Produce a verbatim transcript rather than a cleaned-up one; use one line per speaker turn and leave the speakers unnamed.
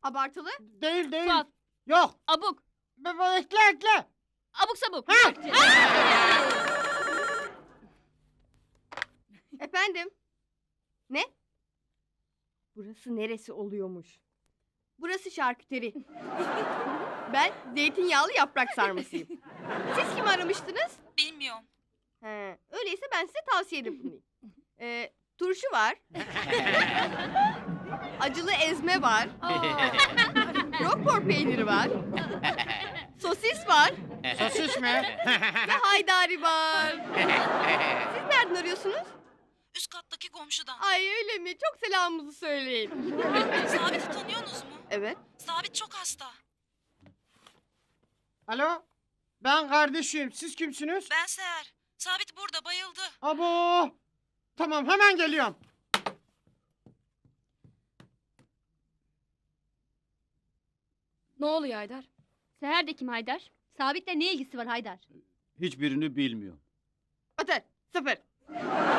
Abartılı.
Değil değil.
Fuat.
Yok.
Abuk.
Be- be- Ekle ekle.
Abuk sabuk.
Ha!
Efendim? Ne? Burası neresi oluyormuş? Burası şarküteri. Ben zeytinyağlı yaprak sarmasıyım. Siz kimi aramıştınız?
Bilmiyorum.
He, öyleyse ben size tavsiyede bulunayım. Ee, turşu var. Acılı ezme var. Roquefort peyniri var. Sosis var.
Sosis mi?
Ve haydari var. Siz nereden arıyorsunuz?
Üst kattaki komşudan.
Ay öyle mi? Çok selamımızı söyleyin.
Sabit'i tanıyorsunuz mu?
Evet.
Sabit çok hasta.
Alo. Ben kardeşim. Siz kimsiniz?
Ben Seher. Sabit burada bayıldı.
Abo. Tamam hemen geliyorum.
Ne oluyor Haydar?
Seher de kim Haydar? Sabit'le ne ilgisi var Haydar?
Hiçbirini bilmiyorum.
Otur. Sıfır.